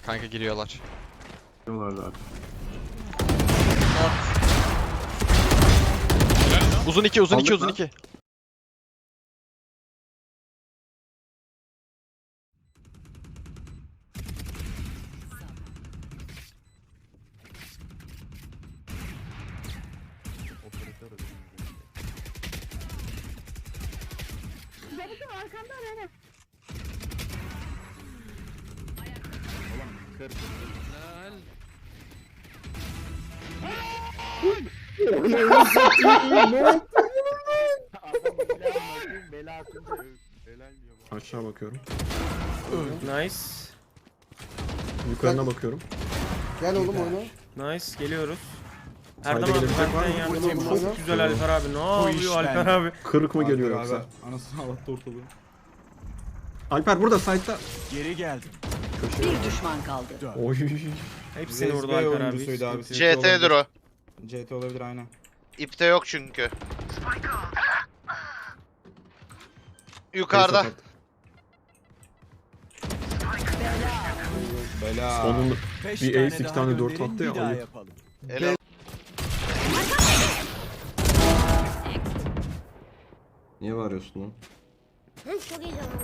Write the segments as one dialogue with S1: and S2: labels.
S1: Kanka giriyorlar.
S2: Diyorlar zaten.
S1: Uzun 2, uzun 2,
S2: Aldık
S1: uzun
S2: lan.
S1: 2.
S3: Benim arkamda benim.
S2: Aşağı bakıyorum.
S4: Nice.
S2: Yukarına bakıyorum.
S5: Gel oğlum oyna.
S4: Nice. Geliyoruz.
S2: Sayda
S4: Erdem abi
S2: gelebilecek var
S4: benden
S2: mı?
S4: yardım
S5: Oyna,
S4: et.
S5: oyna.
S4: Çok güzel Alper abi. Ne yapıyor Alper abi?
S2: Kırık mı geliyor
S6: Alper
S2: yoksa?
S6: abi, anasını ağlattı ortalığı.
S2: Alper burada site'da.
S6: Geri geldim.
S7: Bir düşman kaldı.
S2: Oy.
S4: Hepsini vurdu
S6: VSB
S4: Alper abi.
S6: oyuncusuydu abi.
S4: Sıkıntı yok.
S8: CT'dir o.
S6: CT olabilir aynen.
S8: İpte yok çünkü. Yukarıda.
S6: Bela.
S2: Sonunda bir ace 2 tane 4 attı ya. Ayıp.
S8: Ele
S2: Niye bağırıyorsun lan?
S3: Hı, çok heyecanlandım.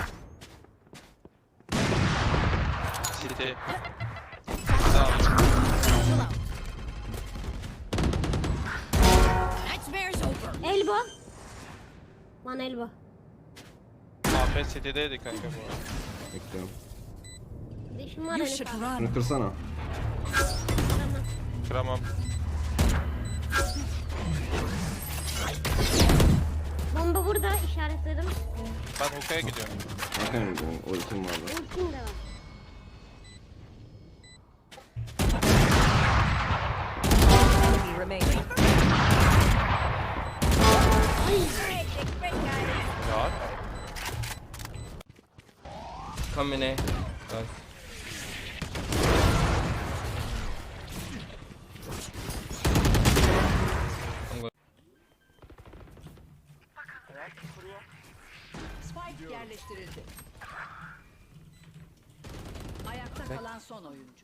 S1: City.
S3: Elba. Lan elba.
S1: AP City'deydi kanka bu arada.
S2: Bekliyorum.
S3: Dişim var
S7: You
S3: henüz.
S7: should run.
S2: Bunu kırsana.
S1: Kıramam.
S3: Bomba burada işaretledim.
S1: Ben Uka'ya gidiyorum.
S2: Arkaya mı gidiyorsun? O itim vardı.
S3: Ultim de var.
S7: Enemy remaining.
S1: Rahat.
S4: Kamine.
S7: Spike yerleştirildi. Ayakta kalan son oyuncu.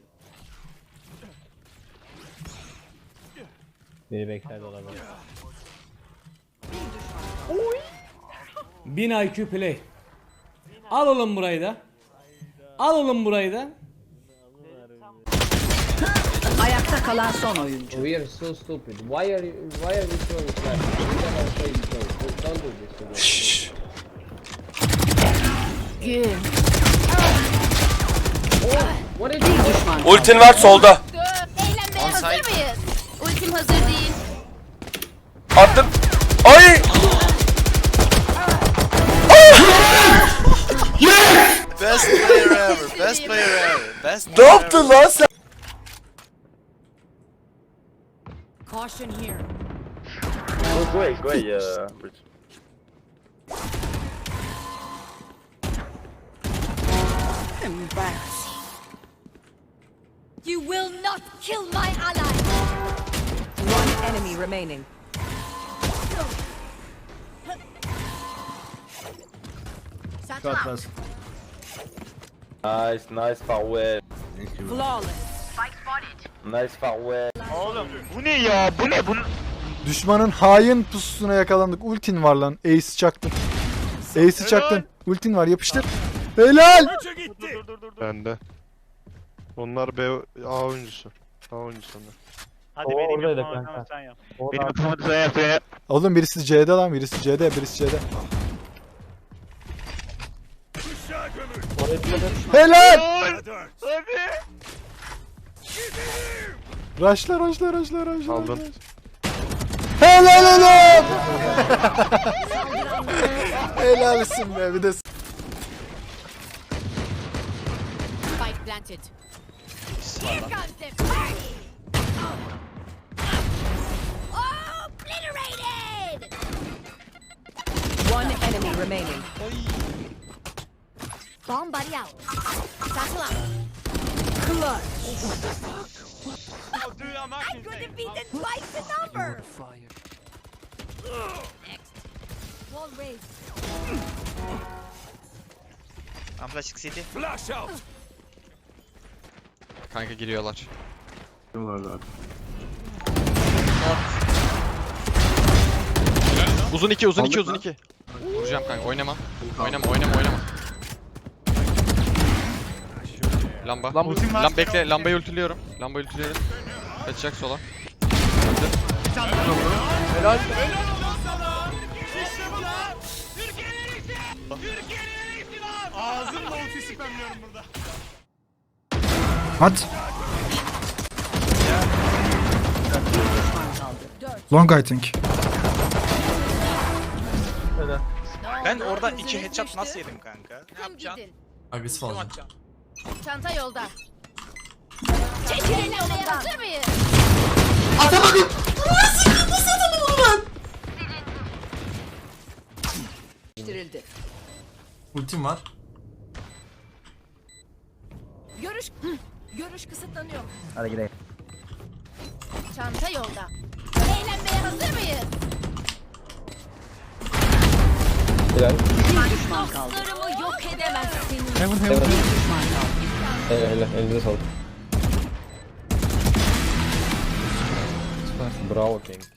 S9: Biri bekler dolaba.
S7: Bir düşman.
S9: 1000 IQ play. Al oğlum burayı da. Al oğlum burayı da.
S7: Ayakta kalan son oyuncu.
S9: We are so stupid. Why are we so slow? We cannot play slow. Don't do this.
S7: Gün.
S9: What is
S7: Bir düşman.
S4: Ultin var solda.
S3: Eğlenmeye hazır mıyız? Ultim hazır değil.
S4: Attım. Ay!
S8: best player ever. Best player ever. Best
S4: Ne
S8: player
S4: yaptın lan sen?
S7: Caution here. Embarrassing.
S3: You will not kill my ally.
S7: One enemy remaining.
S10: Nice farewell.
S7: Flawless.
S10: Nice farewell.
S8: Bu ne ya? Bu ne?
S6: Düşmanın hain pususuna yakalandık. Ultin var lan. Ace çaktın. Ace'i çaktın. Ultin var yapıştır. Helal.
S11: Bende. Onlar B A oyuncusu. A oyuncusu onlar.
S9: Hadi benim yapamam kanka. Sen yap.
S8: Benim yapamadım sen yap ya.
S6: Oğlum birisi C'de lan. Birisi C'de. Birisi C'de. Helal. Raşla.
S11: Aldın.
S6: Helal oğlum. Helalsin be. Bir de
S3: Spike planted. Here comes the party. Obliterated.
S7: One enemy remaining.
S3: Bomb buddy out. Satchel out.
S7: Clutch.
S3: I could defeat twice the number. Next. Wall raised.
S8: Amplaşık city.
S1: Kanka giriyorlar.
S2: Diyorlar zaten.
S1: Uzun 2 uzun 2
S2: Aldık
S1: uzun
S2: lan.
S1: 2. Vuracağım kanka oynama. Oynama. Lamba. Lamba bekle, lambayı ultiliyorum. Kaçacak sola.
S6: At. Long I think.
S3: Ben orada 2 headshot nasıl yedim kanka? Ne yapacaksın?
S4: Agresif olacağım.
S3: Çanta yolda. Çekilin yolundan. Hazır mıyız?
S4: Atamadım.
S7: Değiştirildi.
S4: Ultim var.
S7: Görüş kısıtlanıyor.
S9: Hadi gidelim.
S3: Çanta yolda. Eğlenmeye hazır mıyız?
S7: Bir düşman kaldı.
S3: Dostlarımı yok edemezsin.
S9: Elinize sağlık. Bravo King.